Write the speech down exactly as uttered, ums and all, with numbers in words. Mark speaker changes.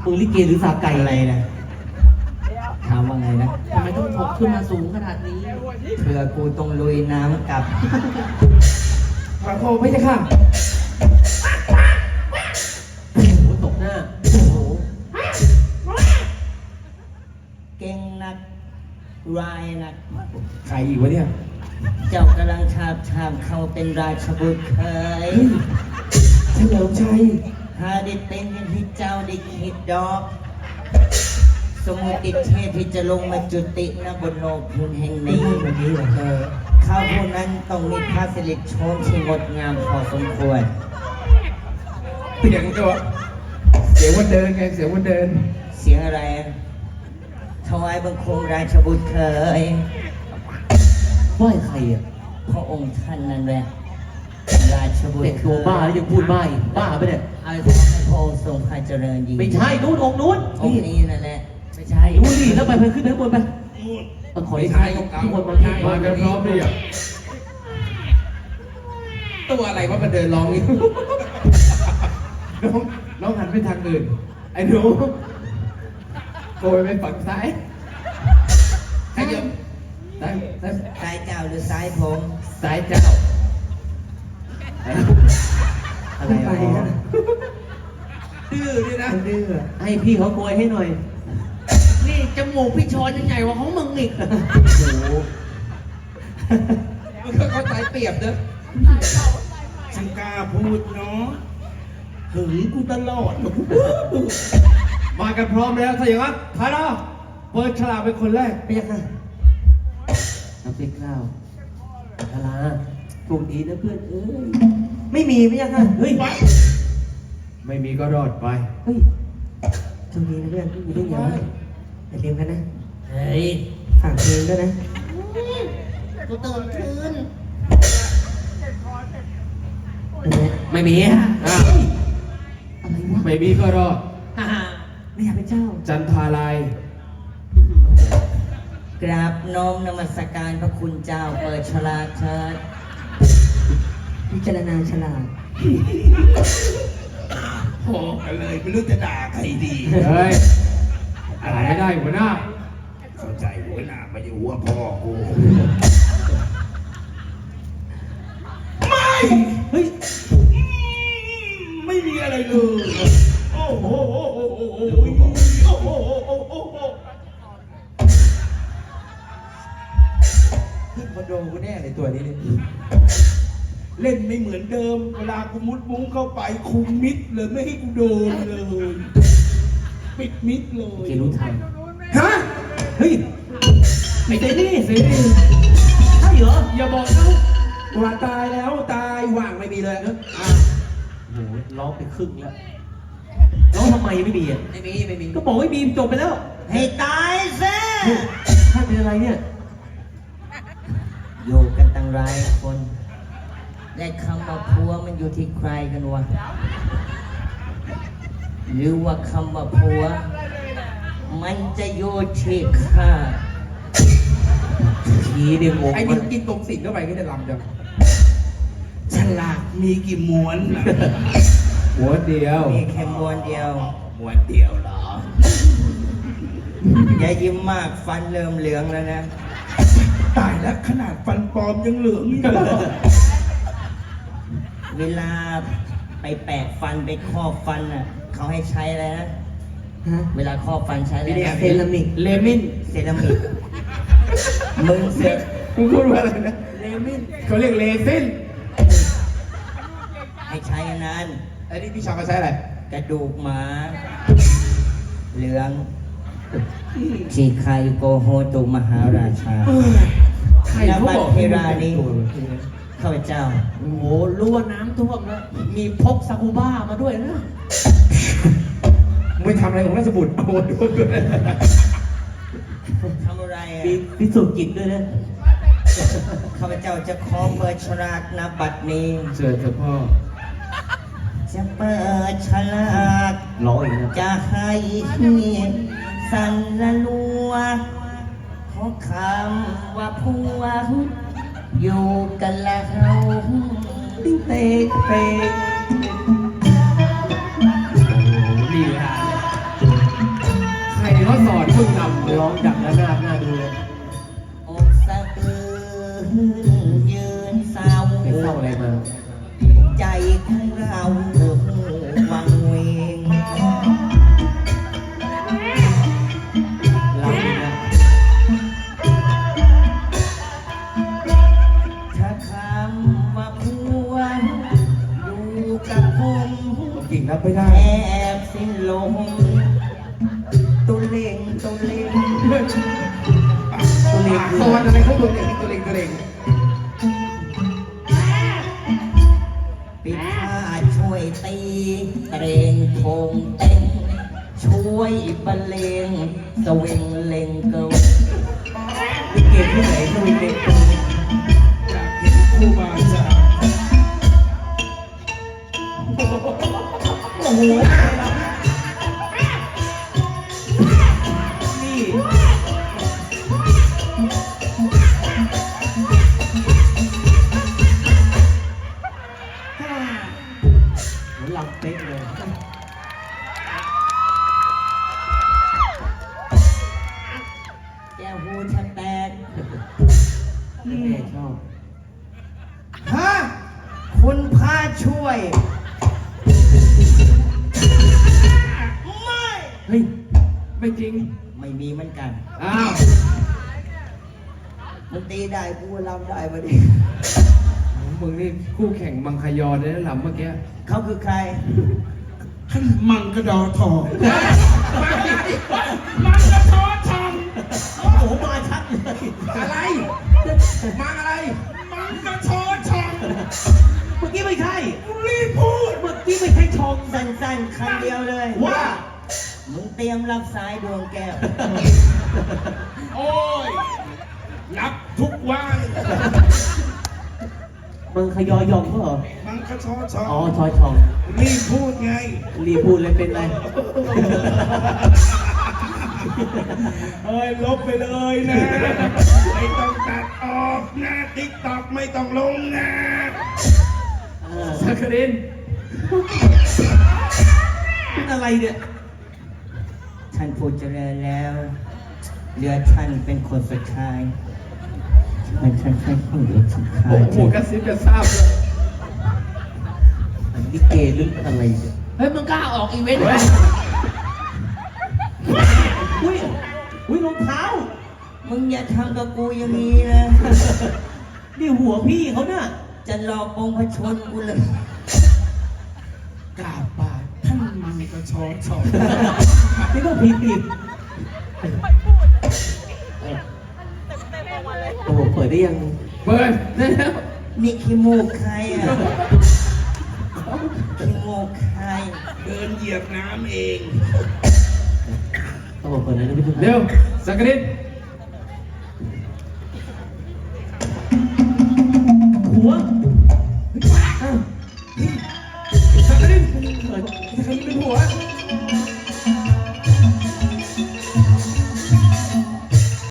Speaker 1: มึงลิเกหรือสาไก่อะไรนะถามว่าไงนะ
Speaker 2: ทำไมต้องถกขึ้นมาสูงขนาดนี้
Speaker 1: เพื่อกูต้องลุยน้ำกับ
Speaker 3: ขอโทษพระเจ้าค่ะ
Speaker 2: โอ้โหตกหน้า โอ้โห
Speaker 1: เก่งนักรายนัก
Speaker 3: ใครอีกวะเนี่ย
Speaker 1: เจ้ากำลังชาบชามเข้าเป็นราชบุตรเคย
Speaker 3: เฉลิมชัย
Speaker 1: หาได้เป็นอย่างที่เจ้าได้คิดดอก สมุติเทพที่จะลงมาจุติณบนโลกพื้นแห่งนี้วันนี้เออข้าผู้นั้นต้องมีพระสิริโฉมที่งดงามพอสมควร
Speaker 3: เสียงตัวเสียงวันเดินไงเสียงวันเดิน
Speaker 1: เสียงอะไรอะถวายบังคมราชบุตรเคย
Speaker 2: ไหว้ใครอ่ะ
Speaker 1: พระองค์ท่านนั่นแหละราชบุต
Speaker 2: เด็
Speaker 1: ร
Speaker 2: ก
Speaker 1: เค
Speaker 2: ตัวย บ้าแล้วยังพูดบ้าอีกบ้าไปะเนี่ย
Speaker 1: อะไรขอให้พระองค์ทรงพระเจริญยิ่ง
Speaker 2: ไม่ใช่นู้นองค์นู้น
Speaker 1: อง
Speaker 2: นี่
Speaker 1: ค์นี้นั่นแหละไม่ใช่
Speaker 2: นู้นดิแล้วไปไปขึ้นไปข้างบนไปเออขอให้ใช่ข้างบนมาที่
Speaker 3: มากันพร้อมหรือยังตัวอะไรวะมันเดินร้องนี่ น้องน้องหันไปทางอื่น ไอ้หนูโกยไปฝั่งซ้ายขยับซ้ายซ้าย
Speaker 1: ซ้ายเจ้าหรือซ้ายผม
Speaker 3: ซ้ายเจ้า
Speaker 1: อะไรวะ
Speaker 3: ดื้อนี่นะ
Speaker 1: ดื้อ
Speaker 2: ให้พี่เขาโกยให้หน่อย
Speaker 4: นี่จมูกพี่ชอนยังใหญ่กว่าของมึงอีก
Speaker 1: โอ้โห
Speaker 3: มันก็เข้าใจเปรียบเนอะ
Speaker 5: ฉันกล้าพูดเนาะหึงกูตลอด
Speaker 3: มากันพร้อมแล้วถ้าอย่างนั้นพาราเปิดฉลากเป็นคนแรก
Speaker 1: ไปยังไง
Speaker 2: น้ำพริกข้าวพาราถูกดีนะเพื่อนเอ้ย
Speaker 1: ไม่มีไปยังไงเฮ้ย
Speaker 3: ไม่มีก็รอดไป
Speaker 1: เฮ้ยโชคดีนะเพื่อนมีได้ยังอย่าลืมกันนะ
Speaker 4: เฮ้ย
Speaker 1: ฝากเพลงด้วยนะ
Speaker 4: กูตื่นคืน
Speaker 2: ไม่มีอ่ะ
Speaker 3: อ่ะ
Speaker 2: อะไรวะ
Speaker 3: ไม่มีก็รอด
Speaker 4: ฮ่า
Speaker 1: ไม่อยากเป็นเจ้า
Speaker 3: จันทาลาย
Speaker 1: กราบน้อมนมัสการพระคุณเจ้าเปิดฉลากเชิญพิจารณาฉลาก
Speaker 5: พอกันเลยไม่รู้จะด่าใครดี
Speaker 3: เฮ้ยอะไรไม่ได้หัวหน้า
Speaker 5: เข้าใจหัวหน้าไม่ใช่หัวพ่อกู ไม่
Speaker 2: เฮ้ย
Speaker 5: ไม่มีอะไรเลย โอ้โหโอ้โหโอ้โหโอ้โหโอ้โหโอ้โหโอ้โห
Speaker 3: ขึ้นคอนโดกูแน่เลยตัวนี้เนี่ย
Speaker 5: เล่นไม่เหมือนเดิม เวลากูมุดมุ้งเข้าไปคุมมิดเลยไม่ให้กูโดนเลย ปิดมิดเลย
Speaker 2: เกรู้ทัน
Speaker 5: ฮะ
Speaker 2: เฮ้ย
Speaker 3: ไอ้เจนี่สิ
Speaker 2: ใช่เหรอ
Speaker 3: อย่าบอกนะว่าตายแล้วตายว่างไม่มีเลยเนอะอ่ะ
Speaker 2: โอ้โหร้องไปครึ่งแล้วร้องทำไมไม่มีอ่ะ
Speaker 1: ไม่มีไม่มี
Speaker 2: ก็บอกไม่มีจบไปแล้ว
Speaker 1: ให้ตายซะ
Speaker 2: ท่านเป็นอะไรเนี่ย
Speaker 1: อยู่กันตั้งหลายคนและคำว่าผัวมันอยู่ที่ใครกันวะ หรือว่าคำว่าผัว มันจะอยู่ที่ข้า
Speaker 2: ทีเดียวงง
Speaker 3: ไอ้นี่กินตรงสิ่งเข้าไปก็จะลำจัง
Speaker 5: ฉลากมีกี่ม้วนนะ
Speaker 3: หัวเดียว
Speaker 1: มีแค่มวนเดียว
Speaker 5: ม้วนเดียวเหรอ
Speaker 1: อย่ายิ้มมากฟันเริ่มเหลืองแล้วนะ
Speaker 5: ตายแล้วขนาดฟันปลอมยังเหลืองอยู่เลย
Speaker 1: เวลาไปแปะฟันไปครอบฟันอ่ะ เขาให้ใช้อะไรนะ เวลาครอบฟันใช้อะไรนะ
Speaker 3: เซรามิกเลมิน
Speaker 1: เซรามิก มึงเสร็จ
Speaker 3: มึงพูดว่าอะไรนะเลมินเขาเรียกเลซิน
Speaker 1: ให้ใช้อันนั้น
Speaker 3: ไอ้นี่พี่ชาวมาใช้อะไร
Speaker 1: กระดูกหมา เหลืองชีคายุโกโฮตุมหาราชา
Speaker 3: ใครเขาบอก
Speaker 1: เทรานี้ข้าพเจ้า
Speaker 4: โอ้โหรู้ว่าน้ำท่วมแล้ว มีพกซากุบ้ามาด้วยนะ
Speaker 3: มึงทำอะไรของราชบุตรโอ้โหด้วย
Speaker 1: ทำอะไรอ่ะ
Speaker 2: มีพิสูจน์กิจด้วยนะ
Speaker 1: ข้าพเจ้าจะขอเปิดฉลากณบัดนี้
Speaker 3: เชิญเถอะพ่อ
Speaker 1: จะเปิดฉลาก
Speaker 2: ร้องอีกนะ
Speaker 1: จะให้สันละลัวเพราะคำว่าผัวอยู่กันแล้วติ๊งเตกเตก
Speaker 3: ดีฮะงรับไม่ได้
Speaker 1: แอบสิ้นลมตุเล่งตุเล่ง
Speaker 3: ตัวเล็กสวัสดิ์อะไรเขาตัวเล็กตัวเล็กตัวเล็ก
Speaker 1: ปิดผ้าช่วยตีเตรงโคงเต้นช่วยบรรเลงสวิงเลงเกิล
Speaker 2: ลิเกที่ไหนก็มีเด็ก
Speaker 5: อยากเห็นครูบาอาจารย์
Speaker 1: โอ้โห
Speaker 2: นี่เหมือนลำเป๊กเลย
Speaker 1: แก้วหูแทบแตก
Speaker 2: แม่ชอบ
Speaker 1: ฮะคุณพาช่วย ไม่
Speaker 3: เฮ้ยไม่จริง
Speaker 1: ไม่มีเหมือนกัน
Speaker 3: อ้าว
Speaker 1: มึงตีได้กูรับได้มาดิ
Speaker 3: มึงนี่คู่แข่งมังคยอเลยนะหล่ำเมื่อกี้
Speaker 1: เขาคือใคร
Speaker 5: ท่านมังกระดอทองมังกระทอทอง
Speaker 1: โอ้โหมาชัดเลย
Speaker 3: อะไรมังอะไร
Speaker 5: มังกระทอทอง
Speaker 2: เมื่อกี้ไม่ใช่
Speaker 5: รีบพูด
Speaker 2: เมื่อกี้ไม่ใช่ชม
Speaker 1: สั้นๆคำเดียวเลย
Speaker 5: ว่า
Speaker 1: มึงเตรียมรับสายดวงแก้ว
Speaker 5: โอ้ยรับทุกวัน
Speaker 2: มึงขยอยอมก็เหรอ
Speaker 5: มังกระทอทอ
Speaker 2: อ๋อง ชอยชอง
Speaker 5: รีบพูดไง
Speaker 2: รีพูดเลยเป็นไร
Speaker 5: เอ้ยลบไปเลยนะ ไม่ต้องตัดออกนะติ๊กตอกไม่ต้องลงนะ
Speaker 2: เออ
Speaker 3: สักกริน
Speaker 2: เป็นอะไรเนี่ย
Speaker 1: ท่านพูดเจริญแล้วเหลือท่านเป็นคนสุดท้ายมันท่านใช่คนเหลือสุดท้า
Speaker 3: โอ้
Speaker 1: ย
Speaker 3: โหกระซิบกระซาบเลย
Speaker 2: ลิเกหรืออะไรเนี่ย
Speaker 4: เฮ้ยมึงกล้าออกอีเวนต์ไหม
Speaker 2: อุ้ย อุ้ยรองเท้า
Speaker 1: มึงอย่าทำกับกูอย่างนี้นะ
Speaker 2: นี่หัวพี่เขาน่ะ
Speaker 1: จะหลอกองค์พระชนกูเลย
Speaker 5: กราบบาทท่านมังกระชอทอง
Speaker 2: นี่ก็ผิดอีกโอ้โหเปิดได้ยัง
Speaker 3: เปิดได้แล้ว
Speaker 1: นี่ขี้มูกใครอ่ะขี้มูกใคร
Speaker 5: เดินเหยียบน้ำเอง
Speaker 2: โอ้โหเปิดได้แล้วพี่ทุกท่าน
Speaker 3: เร็วสักกริน